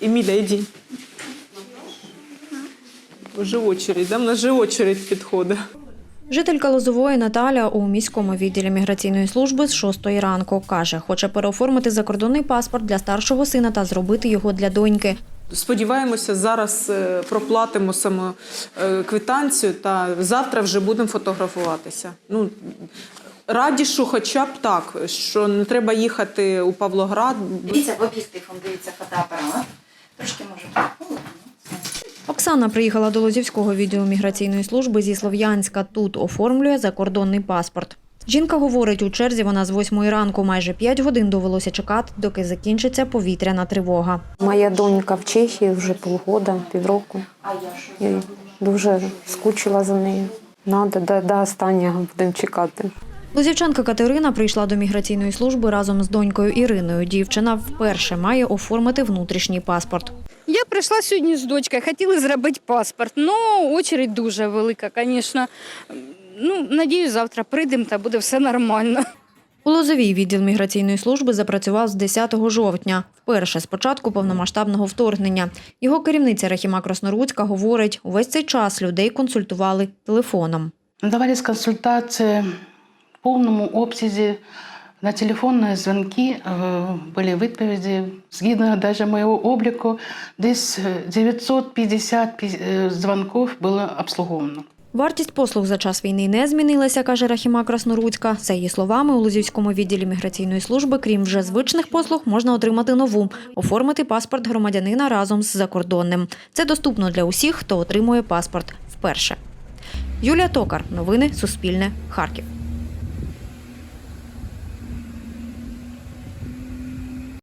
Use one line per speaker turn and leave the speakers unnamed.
Еміля, йди. Вже очередь, да? В нас же очередь підходить.
Жителька Лозової Наталя у міському відділі міграційної служби з 6 ранку. Каже, хоче переоформити закордонний паспорт для старшого сина та зробити його для доньки.
Сподіваємося, зараз проплатимо саму квитанцію та завтра вже будемо фотографуватися. Ну, раді, що хоча б так, що не треба їхати у Павлоград.
Дивіться, в об'єктив, дивіться фотоапарат. Трошки може бути.
Оксана приїхала до Лозівського відділу міграційної служби зі Слов'янська. Тут оформлює закордонний паспорт. Жінка говорить, у черзі вона з 8 ранку. Майже 5 годин довелося чекати, доки закінчиться повітряна тривога.
Моя донька в Чехії вже півроку. Я дуже скучила за нею. До останнього будемо чекати.
Лозівчанка Катерина прийшла до міграційної служби разом з донькою Іриною. Дівчина вперше має оформити внутрішній паспорт.
Я прийшла сьогодні з дочкою, хотіли зробити паспорт, але очередь дуже велика, звісно. Надіюсь, завтра прийдемо та буде все нормально.
У Лозовій відділ міграційної служби запрацював з 10 жовтня. Вперше з початку повномасштабного вторгнення. Його керівниця Рахіма Красноруцька говорить, увесь цей час людей консультували телефоном.
Надавались консультації в повному обсязі. На телефонні дзвінки були відповіді. Згідно навіть моєго обліку, десь 950 дзвінків було обслуговано.
Вартість послуг за час війни не змінилася, каже Рахіма Красноруцька. За її словами, у Лозівському відділі міграційної служби, крім вже звичних послуг, можна отримати нову – оформити паспорт громадянина разом з закордонним. Це доступно для усіх, хто отримує паспорт вперше. Юлія Токар. Новини Суспільне. Харків.